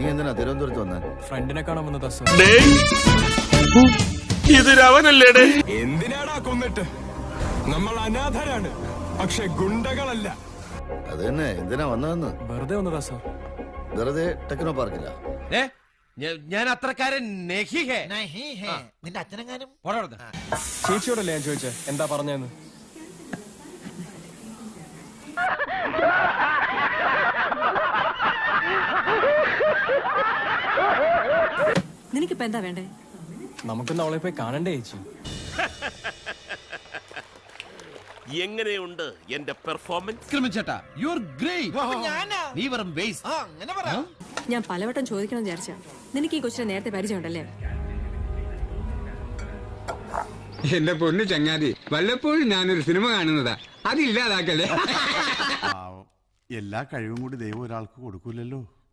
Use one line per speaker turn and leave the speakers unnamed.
എന്തിനാ തിരുവനന്തപുരത്ത് വന്നേ?
ഫ്രണ്ടിനെ കാണാൻ വന്നതാ സർ.
ഇതിരവനല്ലേടേ?
എന്തിനാടാ കൊന്നിട്ട്? നമ്മൾ അനാഥരാണ്, പക്ഷെ ഗുണ്ടകളല്ല.
അത് തന്നെ, എന്തിനാ വന്നതെന്ന്?
വെറുതെ വന്നതാ സർ.
വെറുതെ ടെക്നോ പാർക്കില്ല.
ഞാൻ അത്രക്കാരൻ
നിന്റെ അച്ഛനെങ്ങാനും
ചേച്ചിയോടല്ലേ ഞാൻ ചോദിച്ചേ എന്താ പറഞ്ഞെന്ന്.
നിനക്കിപ്പോ എന്താ വേണ്ടേ?
നമുക്കൊന്ന് അവളെ പോയി കാണണ്ടേ ചേച്ചി?
എങ്ങനെയുണ്ട് എന്റെ പെർഫോമൻസ്?
ഞാൻ പലവട്ടം ചോദിക്കണം വിചാരിച്ചാ. നിനക്ക് ഈ കൊച്ചിനെ നേരത്തെ പരിചയമുണ്ടല്ലേ?
എന്റെ പൊന്നു ചങ്ങാതി, വല്ലപ്പോഴും ഞാനൊരു സിനിമ കാണുന്നതാ, അതില്ലാതാക്കല്ലേ.
എല്ലാ കഴിവും കൂടി ദൈവം ഒരാൾക്ക് കൊടുക്കൂലല്ലോ.